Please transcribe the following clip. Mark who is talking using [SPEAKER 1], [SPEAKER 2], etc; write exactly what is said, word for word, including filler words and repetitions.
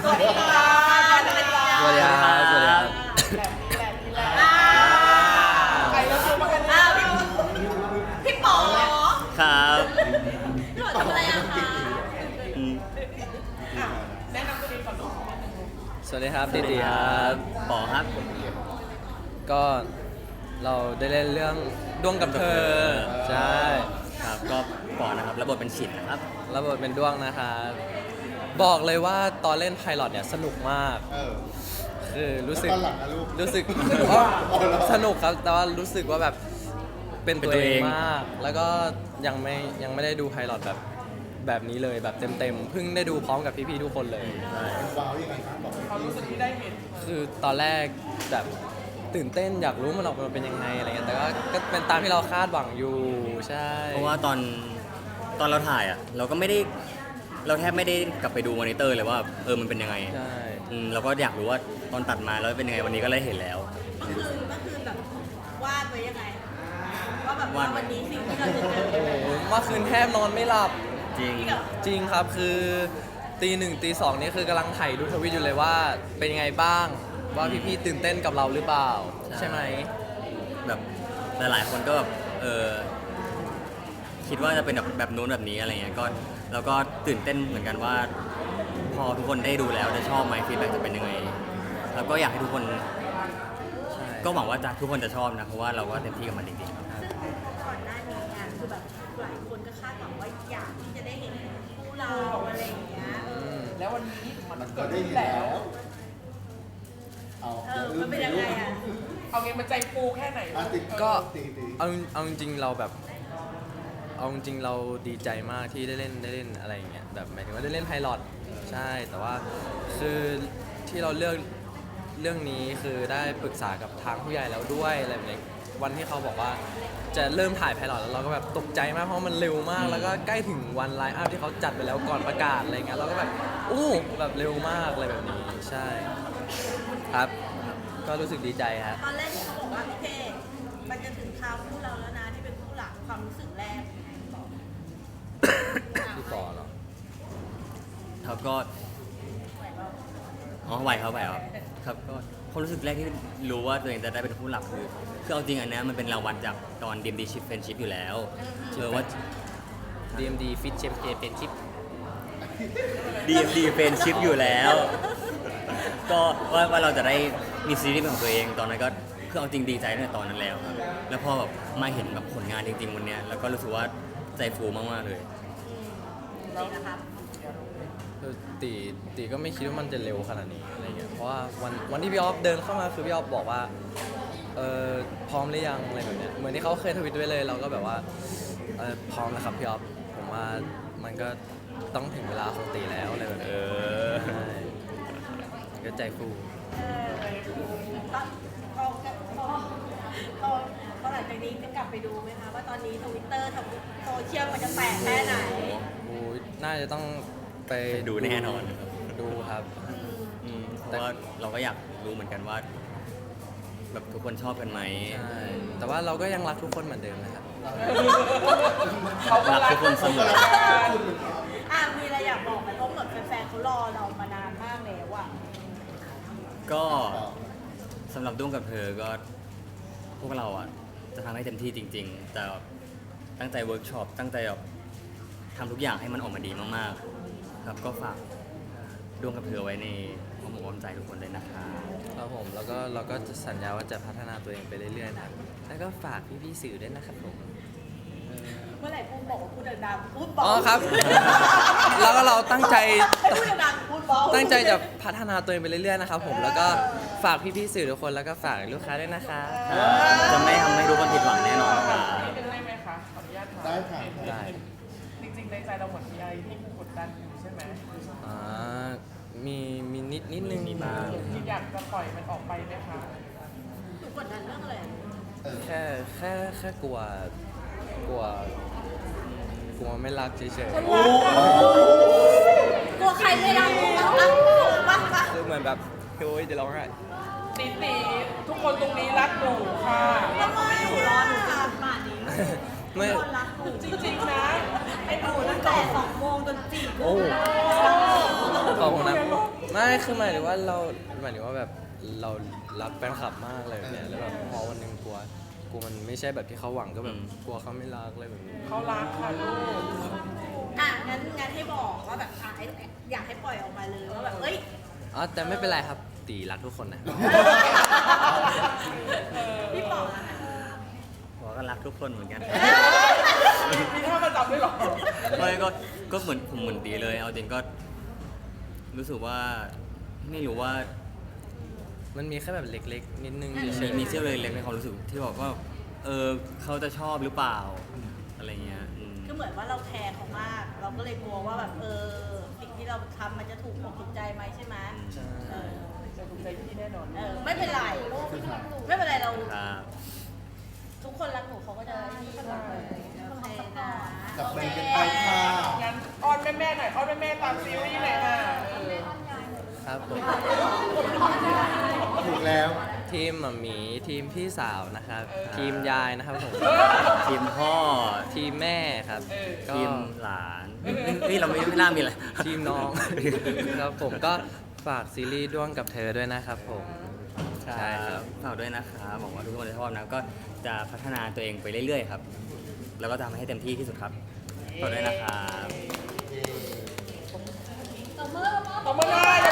[SPEAKER 1] วัสดีค่ะสวัสดีค่ะ
[SPEAKER 2] สวัสดีครับสวัสดีครับ
[SPEAKER 1] แบบนี้แบบนี้แหละใครแล้วชวนมากันอ้าวพี่พี่ป๋อ
[SPEAKER 3] ครับ
[SPEAKER 1] พี่ป๋อทำอะไรอะคะ
[SPEAKER 3] อืม
[SPEAKER 1] อ่ะแนะนำตัวเองก่อนเนาะ
[SPEAKER 2] สวัสดีครับติติครับ
[SPEAKER 3] ปอครับ
[SPEAKER 2] ก็เราได้เล่นเรื่องด้วงกับเธอใช่
[SPEAKER 3] ครับก็ปอนะครับระบบเป็นฉิดนะครับ
[SPEAKER 2] ระบบเป็นด้วงนะครับบอกเลยว่าตอนเล่นไพลอตเนี่ยสนุกมาก
[SPEAKER 4] เออ
[SPEAKER 2] คือรู้สึก
[SPEAKER 4] แล้วตอนหลังอะลูก
[SPEAKER 2] รู้สึก
[SPEAKER 4] อ๋อ
[SPEAKER 2] สนุกครับแต่ว่ารู้สึกว่าแบบเป็นตัว
[SPEAKER 3] เป็นตัว
[SPEAKER 2] เอ
[SPEAKER 3] เอง ง
[SPEAKER 2] มาก แล้วก็ยังไม่ยังไม่ได้ดูไพลอตแบบแบบนี้เลยแบบเต็มๆเพิ่งได้ดูพร้อมกับพี่ๆทุกคนเลย
[SPEAKER 3] ใช่
[SPEAKER 4] ว้าวยังไงครับบอก
[SPEAKER 1] ความรู้สึกที่ได้เห็น
[SPEAKER 2] คือตอนแรกแบบตื่นเต้นอยากรู้มันออกมาเป็นยังไงอะไรเงี้ยแต่ก็ก็เป็นตามที่เราคาดหวังอยู่ใช่
[SPEAKER 3] เพราะว่าตอนตอนเราถ่ายอ่ะเราก็ไม่ได้เราแทบไม่ได้กลับไปดูมอนิเตอร์เลยว่าเออมันเป็นยังไง
[SPEAKER 2] ใช่
[SPEAKER 3] อืมเราก็อยากรู้ว่าตอนตัดมาแล้วเป็นยังไงวันนี้ก็เลยเห็นแล้ว
[SPEAKER 5] เมื่อคืนเมื่อคืนแบบวาดไว้ยังไงว่าแบบว่าว
[SPEAKER 3] าดไว้
[SPEAKER 5] วันนี้สิ่งที่เราจะเจอ
[SPEAKER 2] โอ้โหเมื่อคืนแทบนอนไม่หลับ
[SPEAKER 3] จริง
[SPEAKER 2] จริงครับคือตีหนึ่งตีสองนี่คือกำลังถ่ายดูทวิตอยู่เลยว่าเป็นยังไงบ้างว่าพี่ๆตื่นเต้นกับเราหรือเปล่า
[SPEAKER 3] ใช่
[SPEAKER 2] ใช่ไหม
[SPEAKER 3] แบบหลายๆคนก็แบบเออคิดว่าจะเป็นแบบแบบนู้นแบบนี้อะไรเงี้ยก็เราก็ตื่นเต้นเหมือนกันว่า พอทุกคนได้ดูแล้วจะชอบไหมฟีดแบ็กจะเป็นยังไงแล้วก็อยากให้ทุกคน
[SPEAKER 2] ใช่
[SPEAKER 3] ก็หวังว่าจะทุกคนจะชอบนะเพราะว่าเราก็เต็มที่กับมันจริงๆครับ
[SPEAKER 5] ซึ่งก่อนหน้านี้เนี่ยคือแบบหลายคนก็คาดหวังว่าอยากที่จะได้เห็นคู่เราอะไรอย่างเงี้ยเออ
[SPEAKER 1] แล้ววันนี้มัน
[SPEAKER 4] มันก็
[SPEAKER 1] เกิด
[SPEAKER 4] ได้
[SPEAKER 1] ขึ้น
[SPEAKER 4] ยิน
[SPEAKER 1] แล้
[SPEAKER 4] แล้ว ว เอา
[SPEAKER 5] เออมันเป็นยังไงอ่ะ
[SPEAKER 1] เอางี้มันใจฟูแค่ไหน
[SPEAKER 4] อ่ะติด
[SPEAKER 2] ก็
[SPEAKER 4] ตีตี
[SPEAKER 2] เอาเอาจริงๆเราแบบเอาจริงๆเราดีใจมากที่ได้เล่นได้เล่นอะไรอย่างเงี้ยแบบหมายถึงว่าได้เล่นไพลอตใช่แต่ว่าคือที่เราเลือกเรื่องนี้คือได้ปรึกษากับทางผู้ใหญ่แล้วด้วยอะไรแบบนี้วันที่เขาบอกว่าจะเริ่มถ่ายไพลอตแล้วเราก็แบบตกใจมากเพราะมันเร็วมาก แล้วก็ใกล้ถึงวันไลน์อัพที่เขาจัดไปแล้วก่อนประกาศอะไรเงี้ยเราก็แบบอู้แบบเร็วมากอะไรแบบนี้ใช่ครับ ก็รู้สึกดีใจครับ
[SPEAKER 5] ตอนแรกที่เขาบอกว่าโอเคมันจะถึงคราวคู่เราแล้วนะที่เป็นคู่หลักความรู้สึกแรกบอก
[SPEAKER 2] ที่ต่อเหรอ
[SPEAKER 3] เขาก็อ๋อไหวครับไหวครับครับก็ความรู้สึกแรกที่รู้ว่าตัวเองจะได้เป็นผู้หลักคือคือเอาจริงอันเนี้ยมันเป็นรางวัลจากตอน ดี เอ็ม ดี Ship Friendship อยู่แล้วเออว่า
[SPEAKER 2] ดี เอ็ม ดี Fit Championship
[SPEAKER 3] ดี เอ็ม ดี Friendship อยู่แล้ว ก็ว่าว่าเราจะได้มีซีรีส์เป็นของตัวเองตอนนั้นก็คือเอาจริงดีใจตั้งแต่ตอนนั้นแล้วครับแล้วพอแบบมาเห็นแบบผลงานจริงๆวันเนี้ยแล้วก็รู้สึกว่าใจฟูมากๆเลย
[SPEAKER 5] จริงนะครับ
[SPEAKER 2] คือตีตีก็ไม่คิดว่ามันจะเร็วขนาดนี้อะไรเงี้ยเพราะว่าวันวันที่พี่ออฟเดินเข้ามาคือพี่ออฟบอกว่าเออพร้อมหรือยังอะไรแบบเนี้ยเหมือนที่เขาเคยทวิตไว้เลยเราก็แบบว่าเออพร้อมแล้วครับพี่ออฟผมว่ามันก็ต้องถึงเวลาของตีแล้วอะไรแบบนี้
[SPEAKER 3] เออ
[SPEAKER 2] ใช่ก็ใจฟู
[SPEAKER 5] เออตอนพอพอพอพอหลังจากนี้จะกลับไปดูไหมคะว่าตอนนี้ทวิตเตอร์โซเชียลมันจะแตกแค่ไหน
[SPEAKER 2] โอ้ยน่าจะต้องไป
[SPEAKER 3] ดูแน่นอน
[SPEAKER 2] ดูครับ
[SPEAKER 3] อืมเพราะว่าเราก็อยากรู้เหมือนกันว่า แบบทุกคนชอบกันไหม
[SPEAKER 2] ใช่แต่ว่าเราก็ยังรักทุกคนเหมือนเดิมนะครับ
[SPEAKER 1] เขาก็
[SPEAKER 3] รัก
[SPEAKER 1] รัก
[SPEAKER 3] ทุกคนเสมอ
[SPEAKER 5] อ่ะมีอะไรอยากบอกไหมเพราะเหมือนแฟนๆเขารอเรามานานมากแล้วอ่ะ
[SPEAKER 3] ก็สำหรับด้วงกับเธอก็พวกเราอ่ะจะทำให้เต็มที่จริง ๆ แต่ตั้งใจเวิร์กช็อปตั้งใจแบบทำทุกอย่างให้มันออกมาดีมากๆ ครับก็ฝากด้วงกับเธอไว้ในอ้อมอกอ้อมใจทุกคนเลยนะคะ
[SPEAKER 2] ครับผมแล้วก็เราก็จะสัญญาว่าจะพัฒนาตัวเองไปเรื่อยๆนะครับแล้วก็ฝากพี่ๆสื่อด้วยนะครับผม
[SPEAKER 5] เมื่อไหร่พูดบอกว่าพูดดังๆพูดบอก
[SPEAKER 2] อ๋อครับ แล้วก็เราตั้งใจ
[SPEAKER 5] ให้พูดดังๆพูดบอก
[SPEAKER 2] ตั้งใจจะพัฒนาตัวเองไปเรื่อยๆนะครับผมแล้วก็ฝากพี่ๆสื่อทุกคนแล้วก็ฝากลูกค้าด้วยนะคะ
[SPEAKER 3] จะไม่ทำให้ทุกคนผิดหวังแน่นอนครับ
[SPEAKER 1] นี่เป็นได้ไหมคะขออนุญาตถาม
[SPEAKER 4] ได้ค่ะ
[SPEAKER 2] ได้
[SPEAKER 1] จริงๆในใจเราเหมือนมีอะไรที่กดดันอยู่ใช่ไหม
[SPEAKER 2] อ่ามีมีนิดนิดนึง
[SPEAKER 3] มีบ้าง
[SPEAKER 1] ที่อยากจะปล่อยมันออกไปไหมคะ
[SPEAKER 5] หนูกดดันเรื่องอะไร
[SPEAKER 2] แค่แค่แค่กลัวกลัวกลัวไม่รักเฉย
[SPEAKER 5] กลัวใครไม่รักกูบ้างปะปะ
[SPEAKER 2] ๆคือเหมือนแบบโอ้ยเดี๋ยวร้องไห้
[SPEAKER 1] ตีตีทุกคนตรงนี้รักหนูค่ะ
[SPEAKER 5] ทำไมหนูรอหนูตามป่านนี้
[SPEAKER 2] ไม่
[SPEAKER 5] ทุกคนรักหนู
[SPEAKER 1] จริงๆนะ
[SPEAKER 5] ไอ้หนูตั้งแต่สองโมงจนสี่
[SPEAKER 2] โอ้
[SPEAKER 5] ทุ่ม
[SPEAKER 2] ขอบคุณนะไม่ไม่คือหมายถึงว่าเราหมายถึงว่าแบบเรารักแฟนคลับมากเลยแบบเนี้ยแล้วแบบพอวันหนึ่งกลัวกลัวมันไม่ใช่แบบที่เขาหวังก็แบบกลัวเขาไม่รักอะไรแบบนี้
[SPEAKER 1] เขารักค่ะลูก
[SPEAKER 5] อ่ะงั้นงั้นให้บอกว่าแบบอ่ะอยากให้ปล่อยออกมาเลยว่าแบบเอ้ย
[SPEAKER 2] อ๋อแต่ไม่เป็นไรครับตีรักทุกคนนะ
[SPEAKER 5] พี่ป๋องอะค่ะ
[SPEAKER 3] บอกก็รักทุกคนเหมือนกัน
[SPEAKER 1] มีท่าประจำด้วยเหรอ
[SPEAKER 3] ไม่ก็ก็เหมือนผมเหมือนตีเลย เอาจริงก็รู้สึกว่าไม่รู้ว่า
[SPEAKER 2] มันมีแค่แบบเล็กๆ นิดนึงเฉ
[SPEAKER 3] มี
[SPEAKER 2] ย
[SPEAKER 3] มีเซี่ยวเล็กๆในความรู้สึกที่บอกว่าเออเขาจะชอบหรือเปล่าอะไรเงี้ยอืม
[SPEAKER 5] คือเหมือนว่าเราแคร์เขามาก เราก็เลยกลัวว่าแบบเออสิ่งที่เราทำมันจะถูกอกถูกใจไหมใช่ไหม
[SPEAKER 2] ๆใช่
[SPEAKER 5] เออ
[SPEAKER 1] จะถูกใจพี่แน่นอน
[SPEAKER 5] เออไม่เป็นไรไม่เป็นไรเรา
[SPEAKER 3] ครับ
[SPEAKER 5] ทุกคนรักหนูเขาก็จะนี่โอเคนะ
[SPEAKER 4] จับมือกันไปค่ะ
[SPEAKER 1] งั้นอ้อนแม่ๆหน่อยอ้อนแม่ๆตามซีรีส์หน่อยค่ะเออ
[SPEAKER 2] ครับผม
[SPEAKER 4] ถูกแล้ว
[SPEAKER 2] ทีมหมัมหมีทีมพี่สาวนะครับ ทีมยายนะครับผม
[SPEAKER 3] ทีมพ่อ
[SPEAKER 2] ทีมแม่ครับก็
[SPEAKER 3] ทีมหลานนี่เราไม่ไม่น่ามีอะไร
[SPEAKER 2] ทีมน้อง ครับผมก็ฝากซีรีส์ด้วงกับเธอด้วยนะครับผม
[SPEAKER 3] ใช่
[SPEAKER 2] ใช่
[SPEAKER 3] ค
[SPEAKER 2] ครั
[SPEAKER 3] รับบ ฝากด้วยนะครับหวังว่าทุกคนจะชอบนะก็จะพัฒนาตัวเองไปเรื่อยๆครับ แล้วก็ทำให้เต็มที่ที่สุดครับฝากด้วยนะครับ
[SPEAKER 1] ตบมือเลย